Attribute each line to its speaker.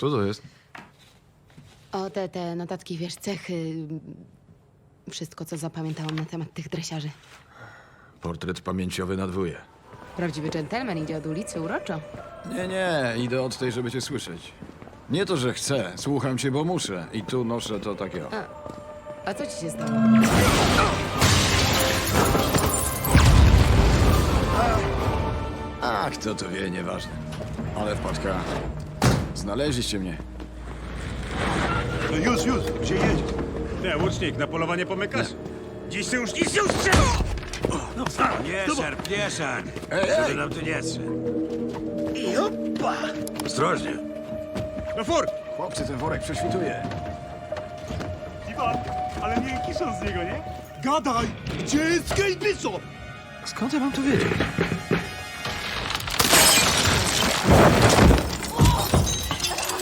Speaker 1: Co to jest?
Speaker 2: O, te notatki, wiesz, cechy... Wszystko, co zapamiętałam na temat tych dresiarzy.
Speaker 1: Portret pamięciowy na dwóje.
Speaker 2: Prawdziwy dżentelmen idzie od ulicy uroczo.
Speaker 1: Nie, idę od tej, żeby cię słyszeć. Nie to, że chcę, słucham cię, bo muszę. I tu noszę to takiego.
Speaker 2: A co ci się stało?
Speaker 1: A kto to wie, nieważne. Ale wpadka. Znaleźliście mnie.
Speaker 3: No już, gdzie jedziesz?
Speaker 4: Nie, łucznik, na polowanie pomykasz? Dziś się już nic nie ustrzela!
Speaker 3: No nie szarp. Żeby nam tu nie strzał. Ostrożnie.
Speaker 4: No fur!
Speaker 1: Chłopcy, ten worek prześwituje.
Speaker 4: Iwan, ale nie kiszą z niego, nie? Gadaj! Gdzie jest Kate Bishop?
Speaker 1: Skąd ja mam to wiedzieć?